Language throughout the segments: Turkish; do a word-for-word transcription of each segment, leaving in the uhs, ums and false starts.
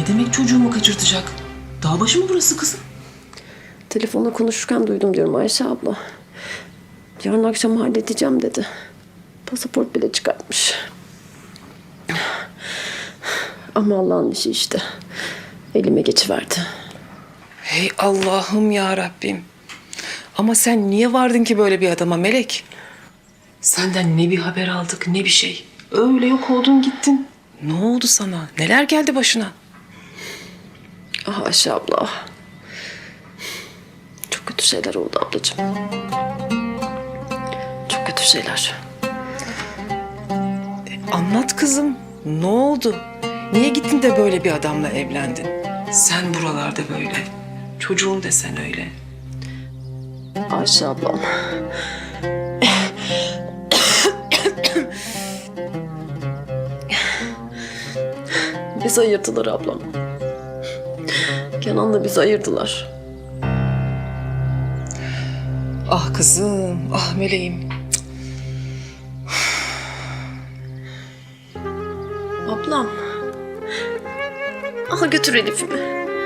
Ne demek çocuğumu kaçırtacak? Dağ başı mı burası kızım? Telefonla konuşurken duydum diyorum Ayşe abla. Yarın akşam halledeceğim dedi. Pasaport bile çıkartmış. Ama Allah'ın işi işte. Elime geçiverdi. Hey Allah'ım ya Rabbim. Ama sen niye vardın ki böyle bir adama Melek? Senden ne bir haber aldık ne bir şey. Öyle yok oldun gittin. Ne oldu sana? Neler geldi başına? Ah Ayşe abla. ah. Çok kötü şeyler oldu ablacığım. Çok kötü şeyler. Anlat kızım. Ne oldu? Niye gittin de böyle bir adamla evlendin? Sen buralarda böyle. Çocuğun desen öyle. Ayşe ablam. Bizi ayırdılar ablam. Kenan'la bizi ayırdılar. Ah kızım, ah meleğim. Ablam. Al götür Elif'imi.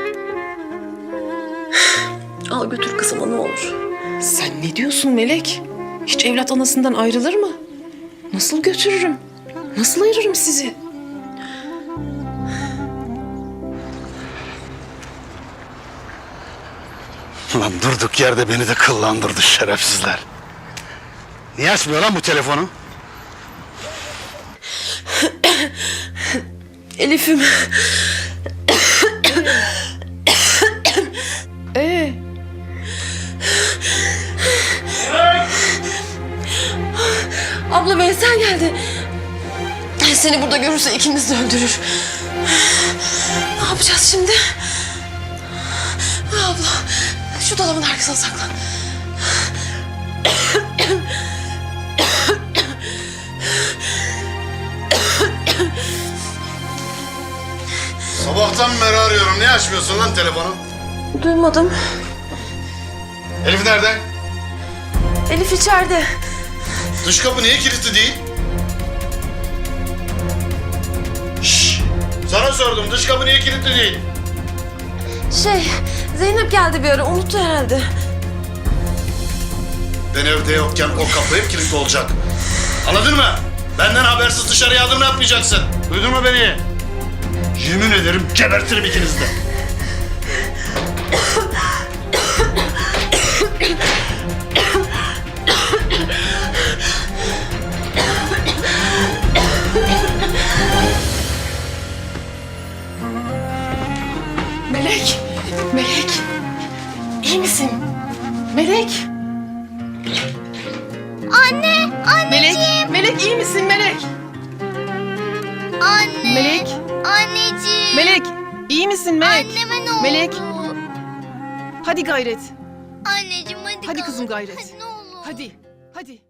Al götür kızıma ne olur. Sen ne diyorsun Melek? Hiç evlat anasından ayrılır mı? Nasıl götürürüm? Nasıl ayırırım sizi? Lan durduk yerde beni de kıllandırdı şerefsizler. Niye açmıyor lan bu telefonu? Elif'im. Ee, Abla Veysel geldi. Seni burada görürse ikimiz de öldürür. Ne yapacağız şimdi? Abla şu dolabın arkasına saklan. Sabahtan beri arıyorum. Niye açmıyorsun lan telefonu? Duymadım. Elif nerede? Elif içeride. Dış kapı niye kilitli değil? Şşş! Sana sordum. Dış kapı niye kilitli değil? Şey Zeynep geldi bir ara unuttu herhalde. Ben evde yokken o kapı hep kilitli olacak. Anladın mı? Benden habersiz dışarıya adım yapmayacaksın. Duydun mu beni? Yemin ederim gebertirim ikinizi de. Melek, Melek. İyi misin? Melek. Anne, anneciğim. Melek, Melek iyi misin Melek? Anne. Melek. Anneciğim. Melek, iyi misin Melek? Anneme ne oldu? Melek. Hadi gayret. Anneciğim hadi Hadi kalk. kızım gayret. Hadi ne olur. Hadi, hadi.